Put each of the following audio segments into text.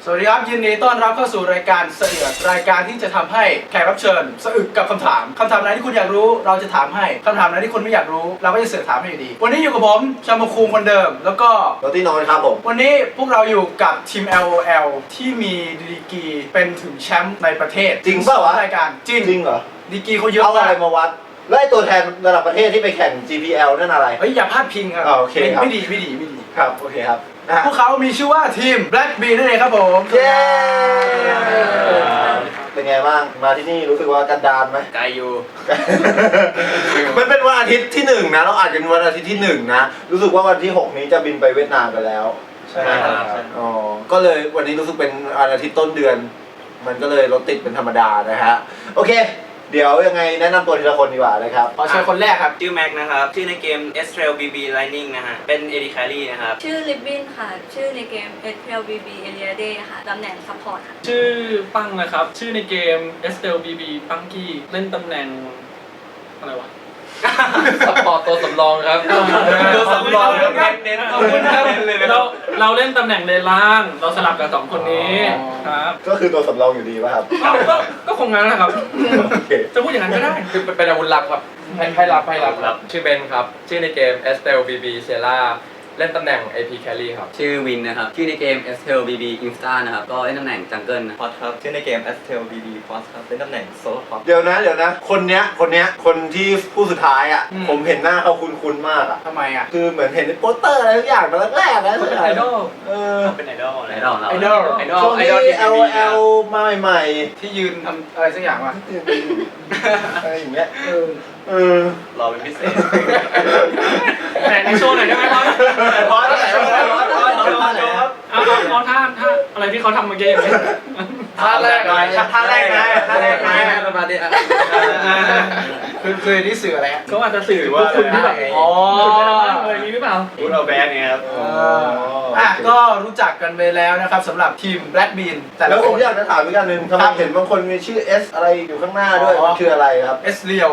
สวัสดีครับยินดีต้อนรับเข้าสู่รายการเสือกรายการที่จะทำให้แขกรับเชิญสะอึกกับคำถามไหนที่คุณอยากรู้เราจะถามให้คำถามไหนที่คุณไม่อยากรู้เราก็จะเสือกถามให้อยู่ดีวันนี้อยู่กับผมชามาคูงคนเดิมแล้วก็โรตี้นอนครับผมวันนี้พวกเราอยู่กับทีม LOL ที่มีดีกรีเป็นถึงแชมป์ในประเทศจริงเปล่าวะรายการจริงเหรอดีกรีเขาเยอะเอาอะไรมากมาวัดแล้วไอ้ตัวแทนระดับประเทศที่ไปแข่ง GPL นั่นอะไรเฮ้ยอย่าพลาดพิงครับโอเคครับไม่ดีครับโอเคครับพวกเขามีชื่อว่าทีม Black Bean นั่นเองครับผมเย้เป็นไงบ้างมาที่นี่รู้สึกว่ากันดารไหมไกลอยู่มันเป็นวันอาทิตย์ที่1นะเราอาจจะวันอาทิตย์ที่1นะรู้สึกว่าวันที่6นี้จะบินไปเวียดนามไปแล้วใช่ครับอ๋อก็เลยวันนี้รู้สึกเป็นวันอาทิตย์ต้นเดือนมันก็เลยรถติดเป็นธรรมดานะฮะโอเคเดี๋ยวยังไงแนะนำตัวทีละคนดีกว่านะครับขอเชิญคนแรกครับชื่อแม็กนะครับชื่อในเกม Estrel BB Lightning นะฮะเป็น AD Carry นะครับชื่อลิบบินค่ะชื่อในเกม SLBB Eliade ค่ะตำแหน่งซัพพอร์ตค่ะชื่อปังนะครับชื่อในเกม SLBB ปังกี้เล่นตำแหน่งอะไรวะซัพพอร์ตตัวสำรองครับตัวสำรองเน้นขอบคุณครับเราเล่นตำแหน่งเลนล่างเราสลับกับ2คนนี้ครับก็คือตัวสำรองอยู่ดีป่ะครับก็คงงั้นแหละครับจะพูดอย่างนั้นก็ได้คือเป็นอาวุธลับครับให้รับชื่อเบนครับชื่อในเกม Estel BB Sierra เล่นตำแหน่ง AP Carry ครับชื่อวินนะครับชื่อในเกม Estrel BB Insta นะครับก็เล่นตำแหน่งจังเกิลนะพอดครับชื่อในเกม Estrel BB Force ครับเล่นตำแหน่งโซโล่ท็อปเดี๋ยวนะคนเนี้ยคนที่ผู้สุดท้ายอ่ะผมเห็นหน้าเขาคุ้นๆมากอ่ะทำไมอ่ะคือเหมือนเห็นในโปสเตอร์อะไรทุกอย่างมาแรกๆนะเป็นไอดอลเป็นไอดอลช่วงที่ LOL มาใหม่ที่ยืนทำอะไรสักอย่างวะอะไรอย่างเงี้ยรอเป็นพิเศษแต่ในโชว์หน่อยได้ไหมครับพอแล้วเอาท่าอะไรที่เขาทำเมื่อกี้ท่าแรกนะประมาณนี้คือนี่สื่ออะไรฮะเขาอาจจะสื่อว่าคุณที่แบบอ๋ออะไรนี้หรือเปล่าคุณเอาแบนเนี่ยครับก็รู้จักกันไปแล้วนะครับสำหรับทีม Black Bean แล้วผมอยากจะถามอีกอย่างนึงทำไมเห็นบางคนมีชื่อ S อะไรอยู่ข้างหน้าด้วยมันคืออะไรครับ S Real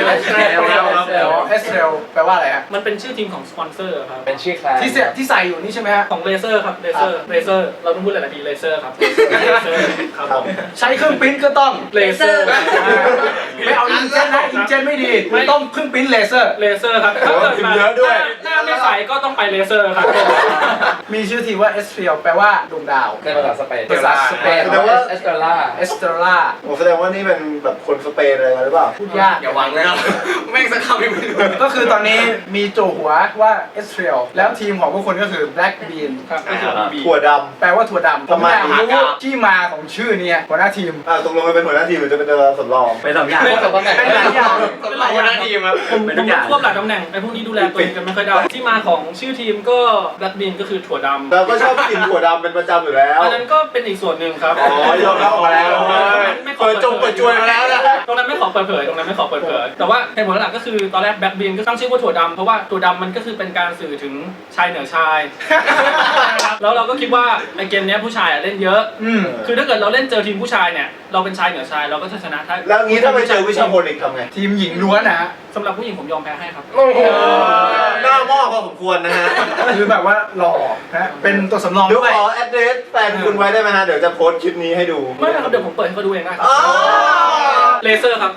แปลว่าอะไรฮะมันเป็นชื่อทีมของสปอนเซอร์ครับเป็นชื่อแคลนที่ใส่อยู่นี่ใช่ไหมฮะของเลเซอร์ครับเลเซอร์เราต้องพูดหลายๆทีเลเซอร์ครับครับผมใช้เครื่องปริ้นก็ต้องเลเซอร์ไม่เอาอิงเจนนะอิงเจนไม่ดีไม่ต้องเครื่องปริ้นเลเซอร์ครับถ้าเกิดมาหน้าไม่ใสก็ต้องไปเลเซอร์ครับมีชื่อทีมว่า S Real แปลว่าดวงดาวในภาษาสเปนแสดงว่าเอสเตอร่าแสดงว่านี่เป็นแบบคนสเปนอะไรหรือเปล่าพูดยากอย่าหวังนะครับแม่งสักคำไม่รู้ก็คือตอนนี้มีโจหัวว่า S Real แล้วทีมของพวกคนก็คือ Black Bean ถั่วดำแปลว่าถั่วดำทำไมรู้ที่มาของชื่อนี้หัวหน้าทีมตกลงเป็นหัวหน้าทีมหรือจะเป็นตัวสำรองเป็น2อย่างเป็น2ตำแหน่งเป็นหลายอย่างเป็นหลายหน้าทีมครับผมควบหลายตำแหน่งไอ้พวกนี้ดูแลตัวเองกันไม่ค่อยได้ที่มาของชื่อทีมก็ Black Bean ก็คือถั่วดำเราก็ชอบกินถั่วดำเป็นประจำอยู่แล้วอันนั้นก็เป็นอีกส่วนหนึ่งครับยอมรับมาแล้วเปิดจวยมาแล้วนะตรงนั้นไม่ขอเปิดเผยแต่ว่าเหตุผลหลักก็คือตอนแรก Black Bean ก็ตั้งชื่อว่าถั่วดำเพราะว่าถั่วดำมันก็คือเป็นการสื่อถึงชายเหนือชายแล้วเราก็คิดว่าในเกมนี้ผู้ชายเล่นเยอะคือถ้าเกิดเราเล่นเจอทีมผู้ชายเนี่ยเราเป็นชายเหนือชายเราก็จะชนะแล้วงี้ถ้าไปเจอวิชาพลอีกทำไงทีมหญิงล้วนนะฮะสำหรับผู้หญิงผมยอมแพ้ให้ครับหน้าหม้อพอสมควรนะฮะคือแบบว่าหล่อนะเป็นตัวสำรองด้วยขอแอดเดรสแฟนคุณไว้ได้ไหมฮะเดี๋ยวจะโพสต์คลิปนี้ให้ดูไม่ครับเดี๋ยวผมเปิดให้เขาดูเองได้เลเซอร์ครับ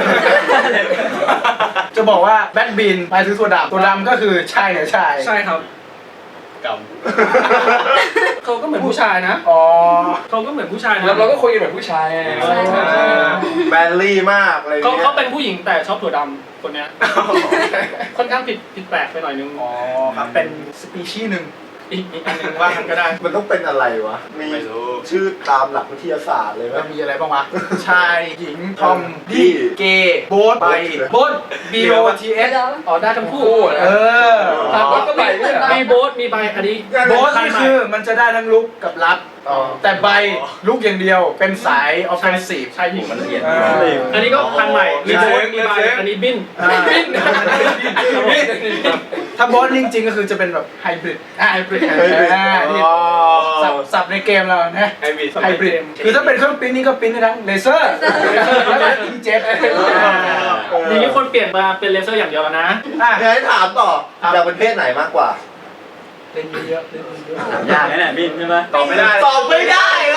จะบอกว่าแบทบินหมายถึงตัวดำก็คือชายเหนือชายใช่ครับเขาก็เหมือนผู้ชายนะเขาก็เหมือนผู้ชายนะเราก็คุยกันเหมือนผู้ชายแมนลี่มากอะไรเงี้ยเขาเป็นผู้หญิงแต่ชอบถั่วดำคนเนี้ยค่อนข้างผิดแปลกไปหน่อยนึงครับเป็นสปีชีส์หนึ่งอีกอันนึงว่ากันก็ได้มันต้องเป็นอะไรวะมีชื่อตามหลักวิทยาศาสตร์เลยมันมีอะไรบ้างวะชายหญิงทอมดี้เกย์โบ๊ทไปโบ๊ท BOTS ได้ทั้งคู่โบ๊ทก็ไปมีโบ๊ทมีใบอันนี้โบ๊ทนี่คือมันจะได้ทั้งลุกกับรับแต่ใบลุกอย่างเดียวเป็นสายออฟเฟนซีฟชายหญิงมันละเอียดอันนี้ก็พันใหม่มีโบ๊ทมีใบอันนี้บินถ้าโบ๊ทจริงๆก็คือจะเป็นแบบไฮบริดสับในเกมเรานะไฮบริดคือถ้าเป็นเครื่องปริ้นนี่ก็ปริ้นได้ทั้งเลเซอร์แล้วก็อิงเจ็ตทีนี้คนเปลี่ยนมาเป็นเลเซอร์อย่างเดียวนะอยากให้ถามต่ออยากเป็นเพศไหนมากกว่าเล่นเยอะยากแน่บินใช่ไหมตอบไม่ได้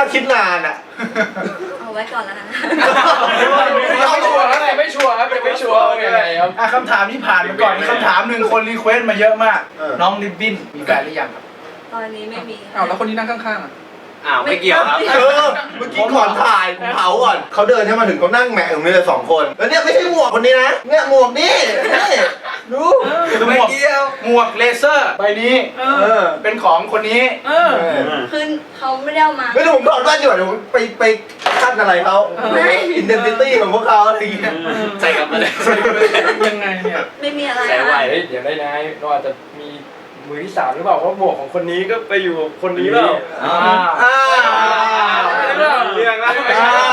คิดนานอ่ะเอาไว้ก่อนแล้วกันนะไม่ชัวร์ครับแต่ไม่ชัวร์ครับแต่ไม่ชัวร์ว่ายังไงครับคำถามนี้ผ่านไปก่อนมีคำถามหนึ่งคนรีเควสต์มาเยอะมาก น้องริบบิ้นมีแฟนหรือยังครับตอนนี้ไม่มีอ้าวแล้วคนที่นั่งข้างๆอ่ะอ้าวไม่เกี่ยวครับเมื่อกี้ก่อนถ่ายผมเผาก่อนเขาเดินให้มาถึงเขานั่งแหมะตรงนี้เลย2 คนแล้วเนี่ยไม่ใช่หมวกคนนี้นะเนี่ยหมวกนี่ดูไม่เกี่ยวหมวกเลเซอร์ใบนี้ เป็นของคนนี้คือเขาไม่ได้เอามาไม่รู้ผมถอดแว่นอยู่เดี๋ยวผมไปขั้นอะไรเขาอินเดนติตี้ของพวกเขาอะไรอย่างเงี้ยใส่กลับมาเลยยังไงเนี่ยไม่มีอะไรใส่ไว้นะเฮ้ยเดี๋ยวได้นายเราอาจจะมีมือที่ 3หรือเปล่าเพราะหมวกของคนนี้ก็ไปอยู่กับคนนี้เปล่าอ้าวเรื่องแล้วอ้าว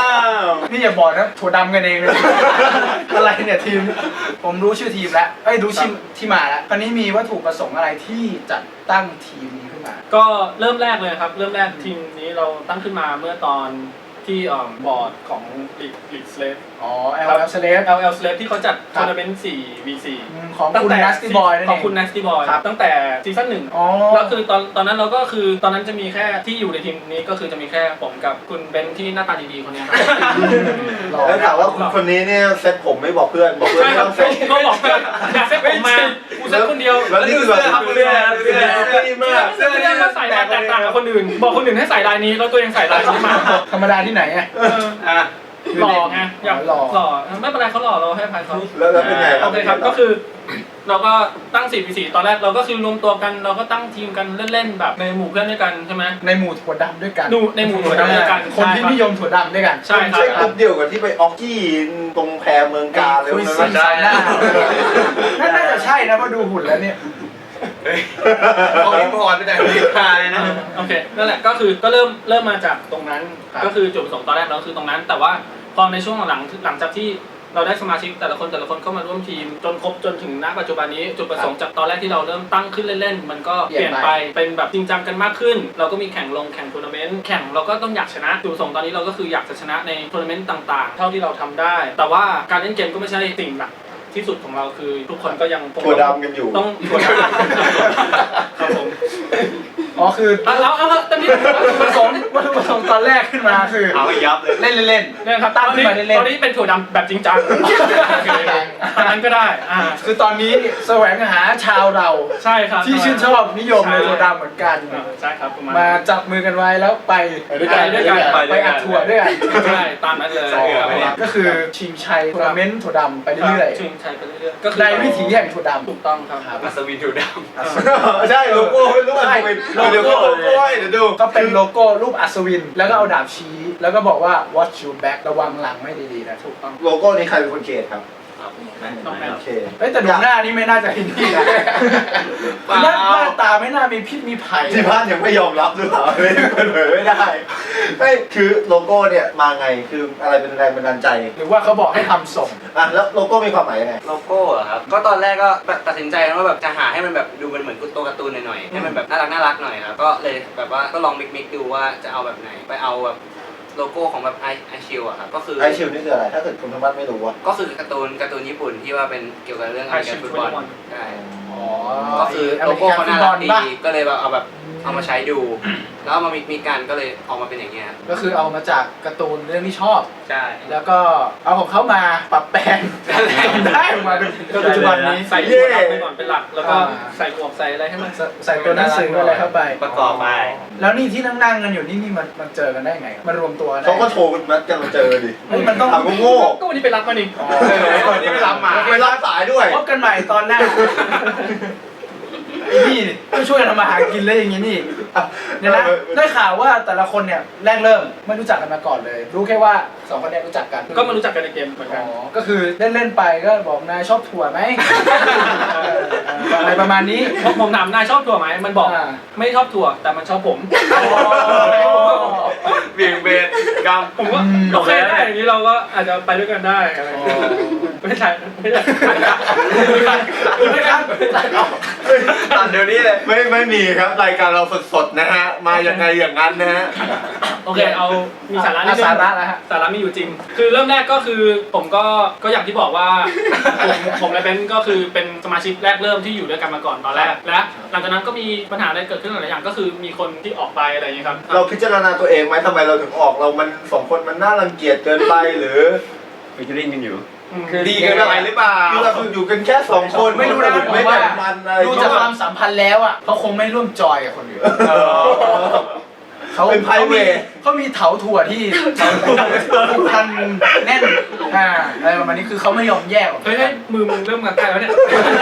นี่อย่าบอกนะถั่วดำกันเองเลย อะไรเนี่ยทีม ผมรู้ชื่อทีมแล้วเอ้ยรู้ชื่อที่มาแล้วคราวนี้มีวัตถุประสงค์อะไรที่จัดตั้งทีมนี้ขึ้นมาก็เริ่มแรกเลยครับ เริ่มแรกทีมนี้เราตั้งขึ้นมาเมื่อตอนที่บอร์ดของลีกสเลฟอ๋อ LL Slave LL Slave ที่เขาจัดทัวร์นาเมนต์ 4v4 ของตั้งคุณแต่ Nasty Boy นั่นขเอองงคุณ Nasty Boy ครับตั้งแต่ซีซั่นอ๋อ 1แล้วคือตอนนั้นเราก็คือตอนนั้นจะมีแค่ที่อยู่ในทีมนี้ก็คือจะมีแค่ผมกับคุณเบนที่หน้าตาดีๆคนเนี้ยครับแล้วถามว่าคุณคนนี้เนี่ยเซ็ตผมไม่บอกเพื่อนบอกเพื่อนใช่ไม่ครัต้บองเซ็ตก็บอกเพื่อนอยากเซ็ตผมมากูเซ็ตคนเดียวแล้วนี่คือแบบเสื้อดีมากเสื้อก็ใส่มาแตกต่างกับคนอื่น บอกคนอื่นให้ใส่ลายนี้แล้วตัวเองใส่ลายนี้มาธรรมดาที่ไหนอ่ะหล่อไงอยากหล่อหล่อไม่เป็นไรเขาหล่อเราให้อภัยเขาแล้วเป็นไงโอเคครับก็คือ เราก็ตั้ง 4v4 ตอนแรกเราก็คือรวมตัวกันเราก็ตั้งทีมกันเล่นๆแบบในหมู่เพื่อนด้วยกันใช่ไหมในหมู่ถั่วดำด้วยกันในหมู่ถั่วดำด้วยกันคนที่นิยมถั่วดำด้วยกันใช่คใช่กรัลุ่บมเดียวกับที่ไปออกกี้ตรงแพเมืองกาเลยคุยนะซีสายหน้าน่าจะใช่นะเพราะดูหุ่นแล้วเนี่ยเอาอินพอร์ตไปแต่ที่ไทยนะโอเคนั่นแหละก็คือก็เริ่มมาจากตรงนั้นครับก็คือจุดประสงค์ตอนแรกเราคือตรงนั้น แต่ว่าพอในช่วงหลังจากที่เราได้สมาชิกแต่ละคนเข้ามาร่วมทีมจนครบจนถึงณปัจจุบันนี้จุดประสงค์จากตอนแรกที่เราเริ่มตั้งขึ้นเล่นๆมันก็เปลี่ยนไปเป็นแบบจริงจังกันมากขึ้น เราก็มีแข่งทัวร์นาเมนต์แข่งเราก็ต้องอยากชนะจุดประสงค์ตอนนี้เราก็คืออยากจะชนะในทัวร์นาเมนต์ต่างๆ เท่าที่เราทำได้ แต่ว่าการเล่นเกมก็ไม่ใช่สิ่งหลักที่สุดของเราคือทุกคนก็ยังถั่วดำกันอยู่ต้องถั่วดำครับผมอ๋อคือเอาตอนนี้วัตถุประสงค์ตอนแรกขึ้นมาคือเอาให้ยับเลยเล่นเล่นเนี่ยครับตั้งขึ้นมาเล่นตอนนี้เป็นถั่วดำแบบจริงจังตอนนั้นก็ได้คือตอนนี้แสวงหาชาวเราใช่ครับที่ชื่นชอบนิยมในถั่วดำเหมือนกันใช่ครับประมาณมาจับมือกันไว้แล้วไปด้วยกันไปอัดถั่วด้วยกันใช่ตามนั้นเลยก็คือชิงชัยทัวร์นาเมนต์ถั่วดำไปเรื่อยชิงชัยไปเรื่อยๆก็ๆในวิถีแห่งถั่วดำถูกต้องครับอัศวินถูดใช่โลโก้ไม่รู้อันเป็นเดี๋ยวโลโก้เดี๋ยวดูก็เป็นโลโก้รูปอัศวิน แล้วก็เอาดาบชี้ แล้วก็บอกว่า watch your back ระวังหลังไม่ดีๆนะถูกต้องโลโก้นี้ใครเป็นคนเขียนครับต้องแม่โอเคเฮ้ยแต่ดูหน้านี่ไม่น่าจะเห็นที่นะหน้าตาไม่น่ามีพิษมีภัยที่บ้านยังไม่ยอมรับหรือเปล่าไม่เปิดเผยไม่ได้ไม่คือโลโก้เนี่ยมาไงคืออะไรเป็นแรงบันดาลใจหรือว่าเขาบอกให้ทำส่งอ่ะแล้วโลโก้มีความหมายยังไงำโลโก้เหรอครับ ก็ตอนแรกก็ตัดสินใจว่าแบบจะหาให้มันแบบดูมันเหมือนตัวการ์ตูนหน่อยๆให้มันแบบน่ารักหน่อยครับก็เลยแบบว่าก็ลองมิกดูว่าจะเอาแบบไหนไปเอาแบบโลโก้ของแบบไอชิลอะครับก็คือไอชิลนี่คืออะไร ถ้าเกิดคุณธรรมะไม่รู้อะก็คือการ์ตูนญี่ปุ่นที่ว่าเป็นเกี่ยวกับเรื่องการฟุตบอลใช่อ๋อก็คือโลโก้เขาน่ารักดีก็เลยแบบเอาแบบเอามาใช้ดู แล้วเอามามีกันก็เลยออกมาเป็นอย่างเงี้ยก็คือเอามาจากการ์ตูนเรื่องที่ชอบใช่แล้วก็เอาของเขามาปรับแปลงได้ออกมาจนปัจจุบันนี้ใส่ถั่วดำไปก่อนเป็นหลัก แล้วก็ใส่หมวกใส่อะไรให้มันใส่ตัวหนังสืออะไรเข้าไปประกอบไปแล้วนี่ที่นั่งกันอยู่นี่มันเจอกันได้ไงมันรวมตัวได้เขาก็โทรนัดกันมาเจอดิเฮ้ยมันต้องถามโง่ก็วันนี้ไปรับมานี่วันนี้ไม่รับมาไม่รับสายด้วยพบกันใหม่ตอนหน้าไอ้นี่ต้องช่วยกันทำมาหากินเลยอย่างงี้นี่เนี่ยนะได้ข่าวว่าแต่ละคนเนี่ยแรกเริ่มไม่รู้จักกันมาก่อนเลย รู้แค่ว่าสองคนเนี้รู้จักกันก็มารู้จักกันในเกมเหมือนกันก็คือเล่นไปก็บอกนายชอบถั่วไหมอะไรประมาณนี้ผมถามนายชอบถั่วไหมมันบอกอ่าไม่ชอบถั่วแต่มันชอบผมเบี่ยงเบนกรรมผมว่าโอเคได้อย่างนี้เราก็อาจจะไปด้วยกันได้อะไรอย่างเงี้ยไม่ใช่ไม่ครับตัดเดี๋ยวนี้เลยไม่มีครับรายการเราสดๆนะฮะมายังไงอย่างนั้นนะฮะโอเคเอามีสาระนิดนึงสาระแล้วฮะสาระมีอยู่จริง คือเริ่มแรกก็คือผมก็อย่างที่บอกว่า ผมและเบนก็คือเป็นสมาชิกแรกเริ่มที่อยู่ด้วยกันมาก่อนตอนแรกและหลังจากนั้นก็มีปัญหาอะไรเกิดขึ้นหลายอย่างก็คือมีคนที่ออกไปอะไรอย่างนี้ยครับเราพิจารณาตัวเองไหมทำไมเราถึงออกเรามันสองคนมันน่ารังเกียจเกินไปหรือฟิชเชอริ่งกันอยู่คือดีเกินไปหรือเปล่าคือเราอยู่กันแค่สองคนไม่รู้นะไม่ผมว่าแบ่งมันอะไรดูจากความสัมพันธ์แล้วอ่ะเขาคงไม่ร่วมจอยกับคนอื่นเขาเป็น private เขามีเถาถั่วที่ผูกพันแน่นอะไรประมาณนี้คือเขาไม่ยอมแยกออกเฮ้ยมือมึงเริ่มงานใกล้แล้วเนี่ย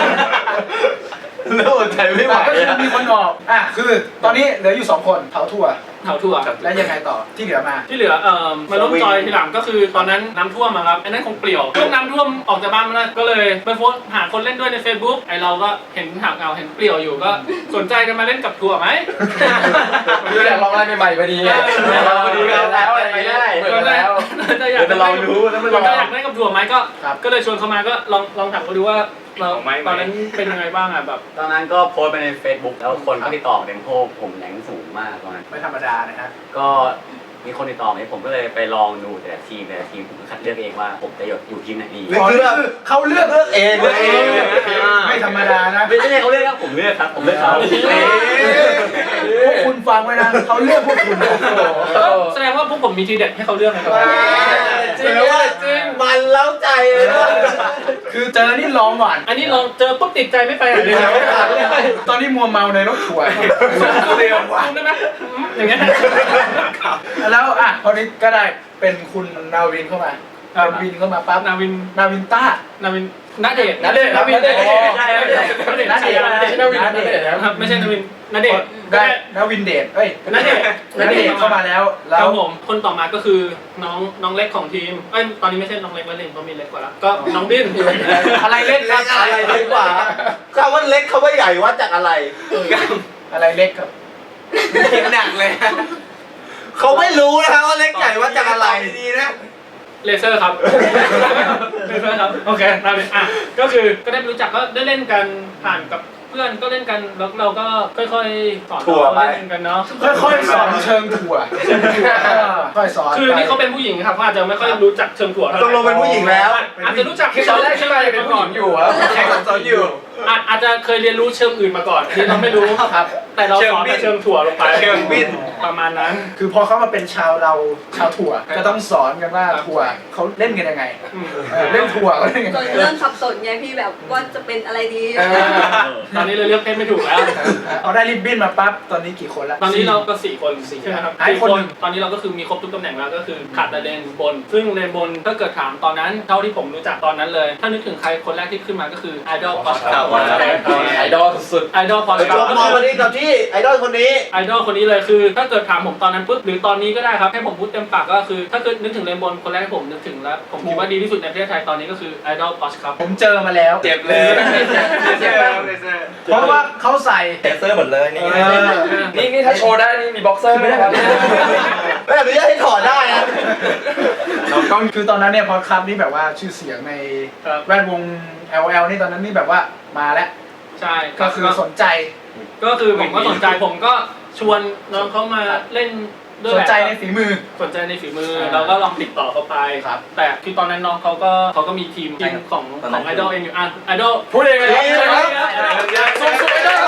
แล้วอดใจไม่ไหวก็คืออะมีคนออกคือตอนนี้เหลืออยู่2คนเถาถั่วเถาถั่วแล้วยังไงต่อที่เหลือมาที่เหลือมาร่วมจอยทีหลังก็คือตอนนั้นน้ำท่วมอะครับอันนั้นคงเปลี่ยวช่วงน้ำท่วมออกจากบ้านมาแล้วก็เลยไปโพสต์หาคนเล่นด้วยใน Facebook ไอเราก็เห็นหาเงาเห็นเปลี่ยวอยู่ก็สนใจกันมาเล่นกับถั่วไหมคืออยากลองอะไรใหม่ๆพอดีไงเราพอดีแล้วอะไรไม่ได้เปิดแล้วจะอยากเดี๋ยวเรารู้แล้วมันลองอยากเล่นกับถั่วไหมก็เลยชวนเขามาก็ลองถามเขาดูว่าเราเอาไหมตอนนั้นเป็นยังไงบ้างอะแบบตอนนั้นก็โพสต์ไปใน Facebook แล้วคนก็ติดต่อเดมโพผมแรงสูงมากตอนนั้นไม่ธรรมดานะฮะก็มีคนติดต่อมาผมก็เลยไปลองดูแต่ละทีมผมก็คัดเลือกเองว่าผมจะอยู่ทีมไหนดีนี่คือแบบเขาเลือกเองเลยไม่ธรรมดานะไม่ใช่เขาเลือกครับผมเลือกครับผมเลือกเขาพวกคุณฟังไว้นะเขาเลือกพวกคุณแสดงว่าพวกผมมีทีเด็ดให้เขาเลือกนะครับจริงว่าจริงมันเล้าใจเลยนะคือเจอนี่ร้องหวานอันนี้เราเจอปุ๊บติดใจไม่ไปไหนเลยตอนนี้มัวเมาในรถทัวร์เรียนว่ะได้ไหมอย่างเงี้ยแล้วพอนี้ก็ได้เป็นคุณนาวินเข้ามาเป็นวินเข้ามาปั๊บนาวินนาวินต้านาวินนาเดชนาเดชน์นาวินนาเดชน์นาเดชน์นาเดชน์นาเดชน์ครับไม่ใช่นาวินนาเดชน์ได้นาวินเดชนาเดชน์เข้ามาแล้วคแล้รัวบผมคนต่อมาก็คือน้องเล็กของทีมตอนนี้ไม่ใช่น้องเล็กแล้วเล่นเพราะมีเล็กกว่าแล้วก็น้องดิ้นอะไรเล็กครับอะไรเล็กกว่าคำว่าเล็กคำว่าใหญ่วัดจากอะไรอะไรเล็กครับเสียงหนักเลยเขาไม่รู้นะครับว่าเล็กใหญ่วัดจากอะไรดีนะเลเซอร์ครับเลเซอร์ครับโอเคนาวินก็คือก็ได้รู้จักก็ได้เล่นกันผ่านกับเพื่อนก็เล่นกันแล้วเราก็ค่อยๆสอนถั่วไปเล่นกันเนาะค่อยๆสอนเชิงถั่วค่อยสอนคือนี่เขาเป็นผู้หญิงครับเขาอาจจะไม่ค่อยรู้จักเชิงถั่วเท่าไหตร่กลงเป็นผู้หญิงแล้วอาจจะรู้จักตอนแรกใช่ไหมเป็นผู้หญิงอยู่อะแค่สอนอยู่อาจจะเคยเรียนรู้เชิงอื่นมาก่อนที่เราไม่รู้ครับแต่เราสอนแต่เชิงถั่วลงไปเชิงบินประมาณนั้นคือพอเขามาเป็นชาวถั่วก็ต้องสอนกันว่าถั่วเขาเล่นกันยังไงเล่นถั่วเขาเล่นกันจยังนไงเริ่มสับสนไงพี่แบบว่าจะเป็นอะไรดีตอนนี้เราเลือกเพศไม่ถูกแล้วเอาได้ริบบิ้นมาปั๊บตอนนี้กี่คนละตอนนี้เราก็4 คนใช่ไหมครับไอ้ 4 คนคนตอนนี้เราก็คือมีครบทุกตำแหน่งแล้วก็คือขาดแต่เลนบน ซึ่งเลนบนถ้าเกิดถามตอนนั้นเท่าที่ผมรู้จักตอนนั้นเลย ถ้านึกถึงใครคนแรกที่ขึ้นมาก็คือ Idol p o s t ครับไอดอลสุด Idol p o s t จบมอวันนี้กับที่ไอดอลคนนี้ไอดอลคนนี้เลยคือถ้าเกิดถามผมตอนนั้นปุ๊บหรือตอนนี้ก็ได้ครับให้ผมพูดเต็มปากก็คือถ้าเกิดนึกถึงเลนบนคนแรกที่ผมนึกถึงแล้วผมคิดว่าดีที่สุดในประเทศไทยตอนนี้ก็คือ Idol p o s t ครับผมเจอมาแล้วเจ็บเลยเจ็บแล้วเลเซอร์เพราะว่าเขาใส่เลเซอร์หมดเลยนี่นี่ถ้าโชว์ได้นี่มีบ็อกเซอร์ไหมครับไม่อนุญาตให้ถอดได้นะคือตอนนั้นเนี่ยพอครับนี่แบบว่าชื่อเสียงในแวดวง LL นี่ตอนนั้นนี่แบบว่ามาแล้วใช่ก็คือสนใจก็คือผมก็สนใจผมก็ชวนน้องเขามาเล่นด้วยสแหนละใจในฝีมือสนใจในฝีมือเราก็ลองติดต่อเขาไปครับแต่คือตอนนั้นน้องเขาก็มีทีมของไอดอลเองอยู่ไอดอลพูดเองเลยครับสุดไอดอล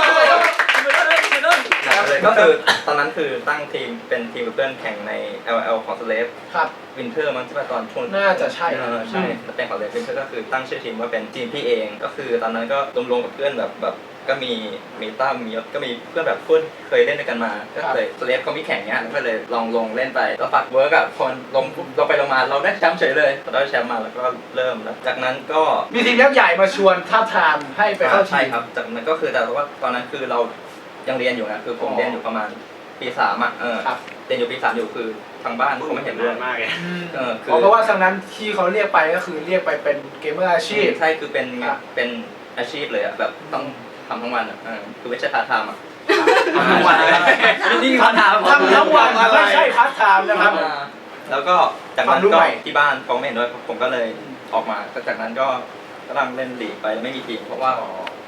ก็คือตอนนั้นคือตั้งทีมเป็นทีมกับเพื่อนแข่งใน LL ของสเลฟครับวินเทอร์มั้งที่ว่าตอนช่วงน่าจะใช่ใช่เป็นของเลฟวินเทอร์ก็คือตั้งชื่อทีมว่าเป็นทีมพี่เองก็คือตอนนั้นก็รวมๆกับเพื่อนแบบก็มีตั้มมียศก็มีเพื่อนแบบเพื่อนเคยเล่นด้วยกันมาก็เลยสเลฟเขามีแข่งเนี้ยก็เลยลองเล่นไปแล้วปักเวิร์กอะคนลงไปลงมาเราได้แชมป์เฉยเลยเราได้แชมป์มาแล้วก็เริ่มแล้วจากนั้นก็มีทีมยักษ์ใหญ่มาชวนท้าบทามให้ไปเข้าทีใช่มครับจากนั้นก็คือแต่ว่าตอนนั้นคือเรายังเรียนอยู่นะคือผมเรียนอยู่ประมาณปี3อ่ะครับเรียนอยู่ปี3อยู่คือทางบ้านเขาไม่เห็นด้วยมากเลยเพราะว่าครั้งนั้นที่เขาเรียกไปก็คือเรียกไปเป็นเกมเมอร์อาชีพใช่คือเป็นครับเป็นอาชีพเลยอ่ะแบบต้องทำทั้งวันอ่ะคือไม่ใช่พาร์ทไทม์อ่ะทั้งวันเลยนี่เขาถามทำทั้งวันไม่ใช่พาร์ทไทม์นะครับแล้วก็จากควานั้มนรู้ก็ใหม่ที่บ้านเขาไม่เห็นด้วยผมก็เลยออกมาจากนั้นก็กำลังเล่นลีกไปแล้วไม่มีทีมเพราะว่า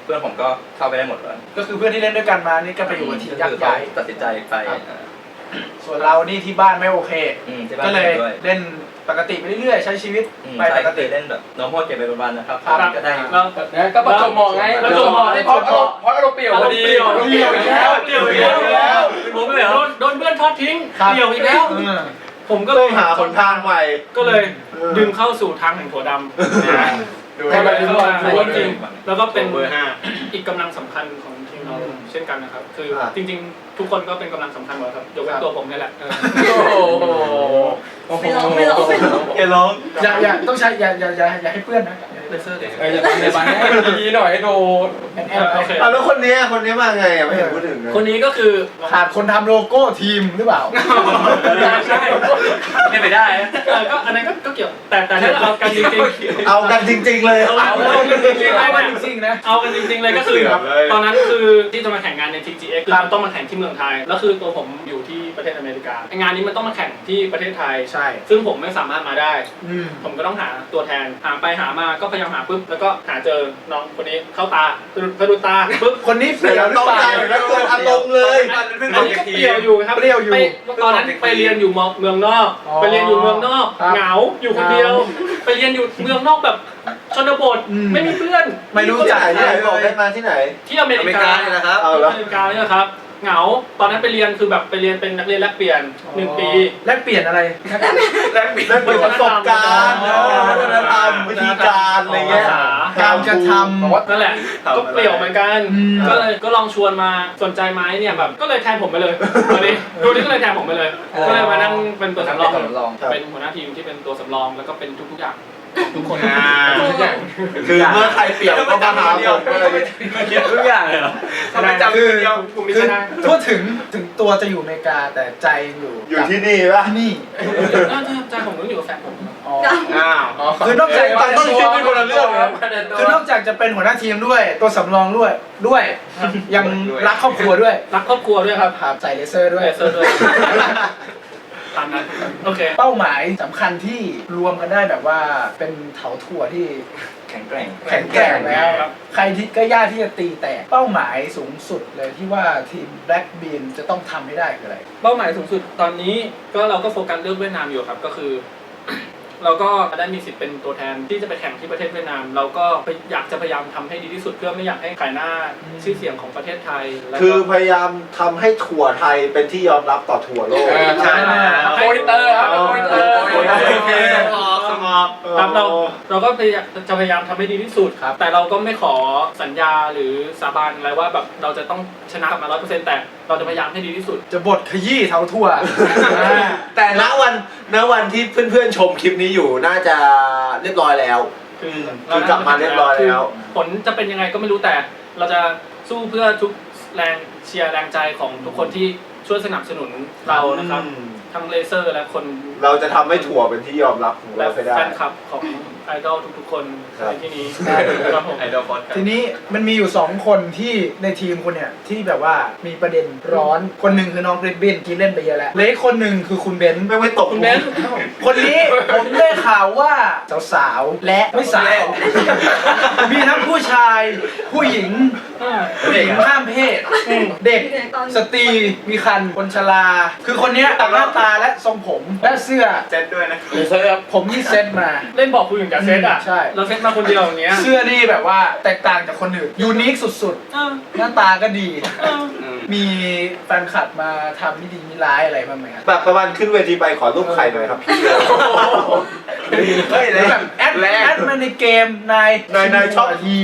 เพื่อนผมก็เข้าไปได้หมดเลยก็คือเพื่อนที่เล่นด้วยกันมานี่ก็ไปอยู่กับทีมยักษ์ใหญ่ตัดสินใจไปส่วนเรานี่ที่บ้านไม่โอเคที่บ้านก็เลยด้วยเล่นปกติไปเรื่อยๆใช้ชีวิตไปใช่ปกก็ติเล่นแบบน้องโหดเก็บไปประมาณนะครับครับก็ได้แล้วก็ประจวบเหมาะไงประจวบเหมาะเพราะอารมณ์เปลี่ยวพอดีเปลี่ยวอีกแล้วเปลี่ยวอีกแล้วผมเลยโดนเพื่อนทอดทิ้งเปลี่ยวอีกแล้ว ผมก็เลต้อย งหาหนทางใหม่ก็เลยดึงเข้าสู่ทางแห่งถั่วดำนะให้มันเข้ามารู้ว่าจริงๆแล้วก็เป็นเบอร์5อีกกำลังสำคัญของทีมเราเช่นกันนะครับ คือจริงๆ ทุกคนก็เป็นกำลังสำคัญหมดครับยกเว้นตัวผมนี่แหละโอ้โหไม่ร้องอย่าร้องอย่าต้องใช้อย่าให้เพื่อนนะเลเซอร์อย่าทำในบ้านให้มันดีๆหน่อยให้โดนแอนโอเคแล้วคนนี้มาไงอ่ะไม่เห็นพูดถึงเลยคนนี้ก็คือขาดคนทำโลโก้ทีมหรือเปล่าใช่ไม่ไปได้ก็อันนั้นก็เกี่ยวแต่ถ้าเอากันจริงๆเอากันจริงๆเลยเอากันจริงๆเอากันจริงๆนะเอากันจริงๆเลยก็คือตอนนั้นคือที่จะมาแข่งงานใน TGX คือมันต้องมาแข่งที่เมืองไทยแล้วคือตัวผมอยู่ที่ประเทศอเมริกางานนี้มันต้องมาแข่งที่ประเทศไทยใช่ซึ่งผมไม่สามารถมาได้ผมก็ต้องหาตัวแทนหาไปหามาก็พยายามหาปุ๊บแล้วก็หาเจอน้องคนนี้เข้าตาสะดุดตาปุ๊บคนนี้เปเดี๋ลี่ยยว วหรือต้องเปล่าใจแล้วเกิดอารมณ์เลยอันนี้ก็เปรี้ยวอยู่ครับเปรี้ยวอยู่ไปตอนนั้นไปเรียนอยู่เมืองนอกอ๋อไปเรียนอยู่เมืองนอกครับเหงาอยู่คนเดียว ไปเรียนอยู่เมืองนอกแบบชนบท ไม่มีเพื่อนไม่รู้ที่จักไหนที่ไหนบอกได้มาที่ไหนที่อเมริกาเนี่ยนะครับเอาที่ละอเมริกาเนี่ยนะครับเหงาตอนนั้นไปเรียนคือแบบไปเรียนเป็นนักเรียนแลกเปลี่ยน1 ปีแลกเปลี่ยนอะไรแลกเปลี่ยนประสบการณ์วัฒนธรรมวิธีการอะไรเงี้ยการกระทำนั่นแหละก็เปลี่ยวเหมือนกันอืมก็เลยก็ลองชวนมาสนใจไหมเนี่ยแบบก็เลยแทนผมไปเลยตอนนี้ดูนี่ก็เลยแทนผมไปเลย ก็เลยมานั่งเป็นตัวสำรอง เป็นหัวหน้าทีมที่เป็นตัวสำรองแล้วก็เป็นทุกๆอย่างทุกคนทุกอย่างคือเมื่อใครเปลี่ยนก็มาหาผมเลยทุกอย่างเลยเหรอทำไมจำคนเดียวกลุ่มนี้คืชอนะทั่วถึงตัวจะอยู่อเมริกาแต่ใจอยู่อยู่ที่นี่ป่ะที่นี่ใจผมต้องอยู่กับแฟนผมอ๋ออ้าวคือนอกจากต้องคิดเป็นคนละเรื่องนะคือนอกจากจะเป็นหัวหน้าทีมด้วยตัวสำรองด้วยยังรักครอบครัวด้วยรักครอบครัวด้วยครับครับใส่เลเซอร์ด้วยเลเซอร์ด้วยตามนั้นโอเคเป้าหมายสำคัญที่รวมกันได้แบบว่าเป็นเถาถั่วที่แข็งแกร่งแข็งแกร่งแล้ว ใครที่ก็ยากที่จะตีแตกเป้าหมายสูงสุดเลยที่ว่าทีม Black Bean จะต้องทำให้ได้คืออะไรเป้าหมายสูงสุดตอนนี้ก็เราก็โฟกัสเรื่องเวียดนามอยู่ครับก็คือ เราก็ได้มีสิทธิ์เป็นตัวแทนที่จะไปแข่งที่ประเทศเวียดนาม เราก็อยากจะพยายามทำให้ดีที่สุดเพื่อไม่อยากให้ขายหน้าชื่อเสียงของประเทศไทยแล้วก็คือพยายามทำให้ถั่วไทยเป็นที่ยอมรับต่อถั่วโลกใช่โมนิเตอร์ครับโมนิเตอร์สมอบครับเราก็พยายามจะพยายามทำให้ดีที่สุดครับแต่เราก็ไม่ขอสัญญาหรือสาบานอะไรว่าแบบเราจะต้องชนะกลับมา 100%แต่เราจะพยายามให้ดีที่สุดจะบดขยี้เถาถั่วแต่ณวันที่เพื่อนๆชมคลิปนี้อยู่น่าจะเรียบร้อยแล้ว คือกลับมาเรียบร้อยแล้วผลจะเป็นยังไงก็ไม่รู้แต่เราจะสู้เพื่อทุกแรงเชียร์แรงใจของทุกคนที่ช่วยสนับสนุนเรานะครับทั้งเลเซอร์และคนเราจะทำให้ถั่วเป็นที่ยอมรับของและเราให้ได้แฟนคลับของไอดอลทุกๆคนครับในที่นี้ครับผมไอดอลฟอสครับทีนี้มันมีอยู่2คนที่ในทีมคุณเนี่ยที่แบบว่ามีประเด็นร้อนคนหนึ่งคือน้องเรดบินที่เล่นไปเยอะแล้วเหลยคนหนึ่งคือคุณเบนซ์ไม่ตกคุณเบนซ์คนนี้ผมได้ข่าวว่าสาวๆและไม่สาว มีทั้งผู้ชาย ผู้หญิงข้ามเพศ เด็กสตรีมีคันคนชราคือคนเนี้ยต่างหน้าตาและทรงผมและเสื้อเซตด้วยนะเลเซอร์ครับผมที่เซ็ตมาเล่นบอกคุณอย่างกับเซตอ่ะใช่เราเซตมาคนเดียวอย่างเงี้ยเสื้อนี่แบบว่าแตกต่างจากคนอื่นยูนิคสุดเออๆ หน้าตาก็ดีเออมีแฟนคลับมาทำไม่ดีไม่ร้ายอะไรบ้างไหมครับแบบประมาณขึ้นเวทีไปขอรูปใครหน่อยครับพี่เฮ้ยแบบแอดมาในเกมนายชอบที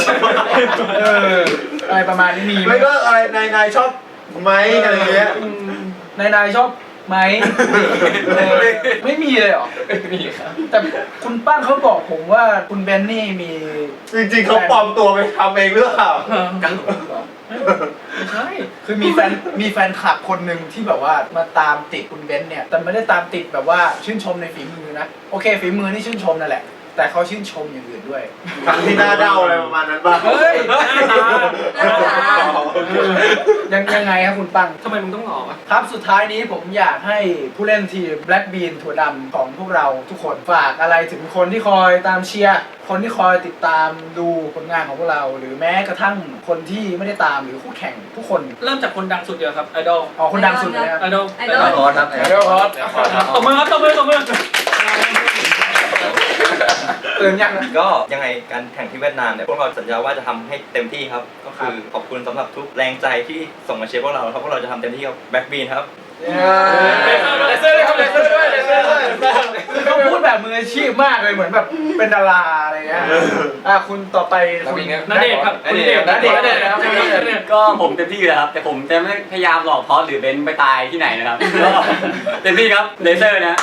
อะไรประมาณนี้มีไหมไม่ก็อะไรนายชอบไหมอะไรเงี้ยนายชอบไหมไม่มีเลยเหรอมีครับแต่คุณป้างเขาบอกผมว่าคุณเบนนี่มีจริงๆเขาปลอมตัวไปทำเองหรือเปล่าไม่ใช่คือมีแฟนคลับคนหนึ่งที่แบบว่ามาตามติดคุณเบนเนี่ยแต่ไม่ได้ตามติดแบบว่าชื่นชมในฝีมือนะโอเคฝีมือนี่ชื่นชมนั่นแหละแต่เขาชื่นชมอย่างอื่นด้วยทั้งที่หน้าเด้าอะไรประมาณนั้นป่ะเฮ้ยหน้าตายังไงครับคุณปังทำไมมึงต้องหลอกอ่ะครับสุดท้ายนี้ผมอยากให้ผู้เล่นทีม Black Bean ถั่วดำของพวกเราทุกคนฝากอะไรถึงคนที่คอยตามเชียร์คนที่คอยติดตามดูผลงานของพวกเรา หรือแม้กระทั่งคนที่ไม่ได้ตามหรือคู่แข่งทุกคนเริ่มจากคนดังสุดเดียวครับไอดอลอ๋อคนดังสุดเลยนะครับไอดอลไอดอลขอครับเดี๋ยวพอดตบมือครับตบมือตบมือตื่นยังนะก็ยังไงการแข่งที่เวียดนามเนี่ยพวกเราสัญญาว่าจะทำให้เต็มที่ครับก็คือขอบคุณสำหรับทุกแรงใจที่ส่งมาเชียร์พวกเราครับพวกเราจะทำเต็มที่กับแบ็คบีนครับเลเซอร์ด้วยครับเลเซอร์ด้วยเลเซอร์ด้วยคือเขาพูดแบบมืออาชีพมากเลยเหมือนแบบเป็นดาราอะไรเงี้ยคุณต่อไปคุณณเดชน์ครับคุณณเดชน์ณเดชน์นะครับก็ผมเต็มที่อยู่แล้วครับ แต่ผมจะไม่พยายามหลอกพอสหรือเบนซ์ไปตายที่ไหนนะครับ ก็เต็มที่ครับเลเซอร์นะ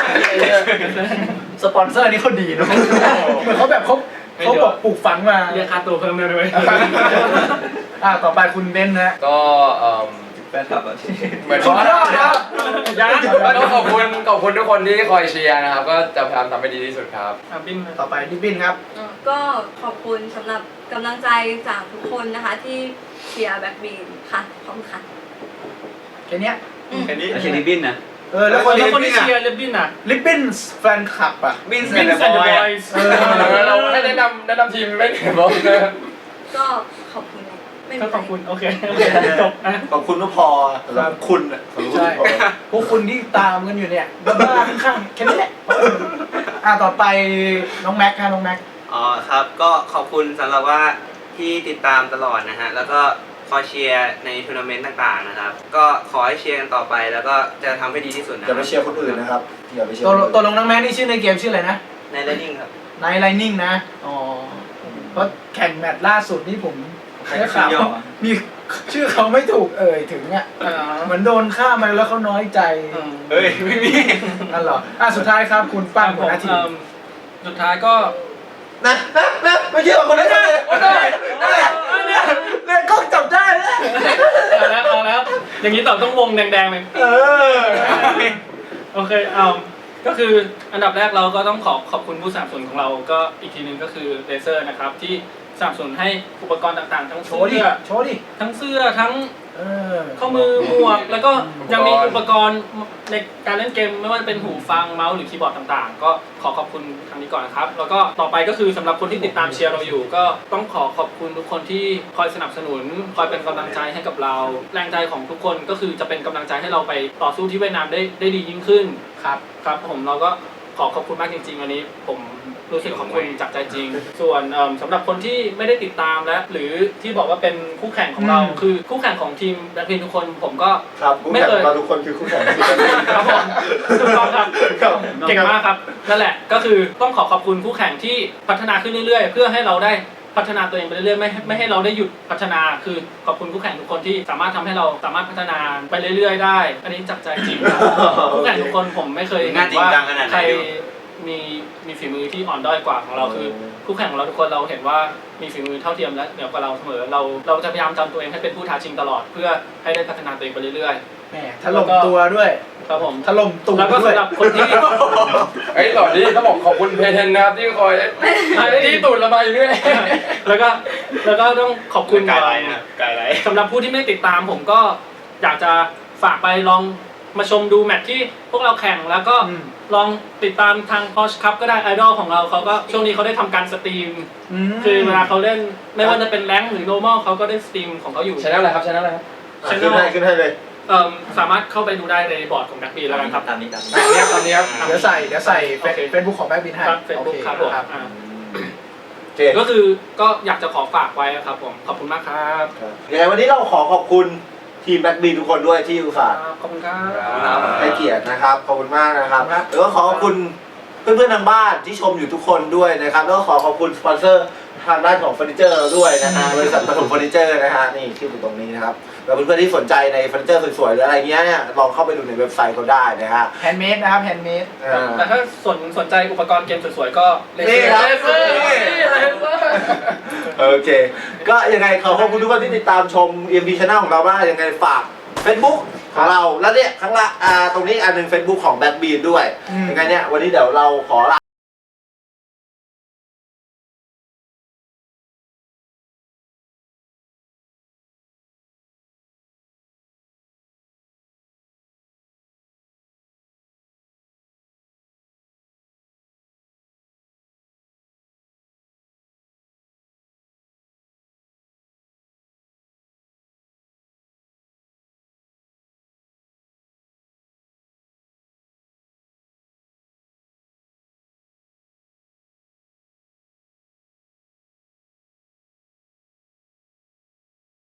สปอนเซอร์นี่เขาดีเนอะเหมือนเขาแบบเขาบอกปลูกฝังมาเรียกค่าตัวเพิ่มเลยด้วยต่อไปคุณเบนนะก็แฟนคลับเหมือนสุดยอดครับยังก็ต้องขอบคุณทุกคนที่คอยเชียร์นะครับ ก็จะพยายามทำให้ดีที่สุดครับบินต่อไปดิบินครับก็ขอบคุณสำหรับกำลังใจจากทุกคนนะคะที่เชียร์แบ็คบีนค่ะขอบคุณค่ะแค่เนี้ยแล้วเชนนิบินนะแล้วคนแล้วคนที่ที่เชียร์เลบบินอ่ะลิปปินส์แฟนคลับอ่ะบินบินแอนด์บอยส์เราให้แนะนำทีมไม่เห็นบอกเลยก็ขอบคุณไม่มีก็ไรขอบคุณโอเคจบอ่ะขอบคุณก็พอสำหรับคุณอ่ะสำหรับคุณใช่พอพวกคุณที่ตามกันอยู่เนี่ยบ้าๆข้างๆแค่นี้แหละต่อไปน้องแม็กค่ะน้องแม็กอ๋อครับก็ขอบคุณสำหรับว่าที่ติดตามตลอดนะฮะแล้วก็คอยเชียร์ในทัวร์นาเมนต์ต่างๆนะครับก็ขอให้เชียร์กันต่อไปแล้วก็จะทำให้ดีที่สุดนะอย่าไปเชียร์คนอื่นนะครับอย่าไปเชียร์ตัวลงน้องแม็กนี่ชื่อในเกมชื่ออะไรนะในไลนิ่งครับไนท์ไลนิ่งนะอ๋อเพราะแข่งแมตช์ล่าสุดนี่ผมได้ข่าวว่ามีชื่อเขาไม่ถูกถึงอ่ะเหมือนโดนฆ่ามาแล้วเขาน้อยใจเฮ้ยไม่มีนั่นเหรอสุดท้ายครับคุณป้างหัวหน้าทีมสุดท้ายก็นะไม่เชื่อคนนั้นเลยเนี่ยกล้องจับได้แล้วเอาแล้วอย่างนี้ต่อต้องวงแดงๆเลยโอเคก็คืออันดับแรกเราก็ต้องขอบคุณผู้สนับสนุนของเราก็อีกทีนึงก็คือเลเซอร์นะครับที่สนับสนุนให้อุปกรณ์ต่างๆทั้งโชเสื้ว์ดิอโชว์ดิทั้งเสื้อทั้งเข้าข้อมือหมวกแล้วก็ยังมีอุปกรณ์ในการเล่นเกมไม่ว่าจะเป็นหูฟังเมาส์หรือคีย์บอร์ดต่างๆก็ขอบคุณทางนี้ก่อนนะครับแล้วก็ต่อไปก็คือสำหรับคนที่ติดตามเชียร์เราอยู่ก็ต้องขอบคุณทุกคนที่คอยสนับสนุนคอยเป็นกำลังใจให้กับเราแรงใจของทุกคนก็คือจะเป็นกำลังใจให้เราไปต่อสู้ที่เวียดนามได้ดียิ่งขึ้นครับผมเราก็ขอบคุณมากจริงๆวันนี้ผมรู้สึกขอบคุณจากใจจริงส่วนสำหรับคนที่ไม่ได้ติดตามและหรือที่บอกว่าเป็นคู่แข่งของเราคือคู่แข่งของทีมแบล็คพิงค์ทุกคนผมก็ครับคู่แข่งเราทุกคนคือคู่แข่งครับผมถูกต้องครับเก่งมากครับนั่นแหละก็คือต้องขอบคุณคู่แข่งที่พัฒนาขึ้นเรื่อยๆเพื่อให้เราได้พัฒนาตัวเองไปเรื่อยๆไม่ให้เราได้หยุดพัฒนาคือขอบคุณคู่แข่งทุกคนที่สามารถทำให้เราสามารถพัฒนาไปเรื่อยๆได้อันนี้จากใจจริงครับคู่แข่งทุกคนผมไม่เคยเห็นว่าใครมีฝีมือที่อ่อนด้อยกว่าของเราคือคู่แข่งของเราทุกคนเราเห็นว่ามีฝีมือเท่าเทียมและเหนือกว่าเราเสมอเราจะพยายามทำตัวเองให้เป็นผู้ท้าชิงตลอดเพื่อให้ได้พัฒนาตัวเองไปเรื่อยๆแหมถล่มตัวด้วยครับผมถล่มตัวแล้วก็ด้วยสำหรับคนที่ต่อนี้ต้องบอกขอบคุณเพเทนนะครับที่คอยที่ตูดระบายอยู่เรื่อยแล้วก็ต้องขอบคุณไกด์ไลน์นะครับไกด์ไลน์สำหรับผู้ที่ไม่ติดตามผมก็อยากจะฝากไปลองมาชมดูแมตช์ที่พวกเราแข่งแล้วก็ลองติดตามทาง Porsche Cup ก็ได้ไอดอลของเราเขาก็ช่วงนี้เขาได้ทำการสตรีมคือเวลาเขาเล่นไม่ว่าจะเป็นแรงค์หรือ normal เขาก็ได้สตรีมของเขาอยู่ชแนลอะไรครับชแนลอะไรครับขึ้นให้เลยสามารถเข้าไปดูได้ในบอร์ดของแบ็คบีแล้วกันครับตามนี้ตอนนี้ครับเดี๋ยวใส่เฟซบุ๊กของแบ็คบินให้ครับเฟซบุ๊กครับผมโอเคก็คือก็อยากจะขอฝากไว้ครับผมขอบคุณมากครับยังไงวันนี้เราขอบคุณทีมแบ็คบีนทุกคนด้วยที่อุตส่าห์ขอบคุณครับให้เกียรตินะครับขอบคุณมากนะครับครับแล้วก็ขอบคุณเพื่อนๆทางบ้านที่ชมอยู่ทุกคนด้วยนะครับแล้วก็ขอบคุณสปอนเซอร์ทางด้านของเฟอร์นิเจอร์เราด้วยนะฮะบริษัทปฐมเฟอร์นิเจอร์นะฮะนี่ชื่ออยู่ตรงนี้นะครับแล้วเพื่อนๆที่สนใจในเฟอร์นิเจอร์สวยๆหรืออะไรเงี้ยเนี่ยลองเข้าไปดูในเว็บไซต์เขาได้นะฮะแฮนด์เมดนะครับแฮนด์เมดแต่ถ้าสนใจอุปกรณ์เกมสวยๆก็เลนี่ครับเซอร์โอเคก็ยังไงขอบคุณทุกคนที่ติดตามชม EMP Channel ของเรามากยังไงฝาก Facebook ของเราแล้วเนี่ยข้างล่างตรงนี้อันหนึง Facebook ของ Black Bean ด้วยยังไงเนี่ยวันนี้เดี๋ยวเราขอลา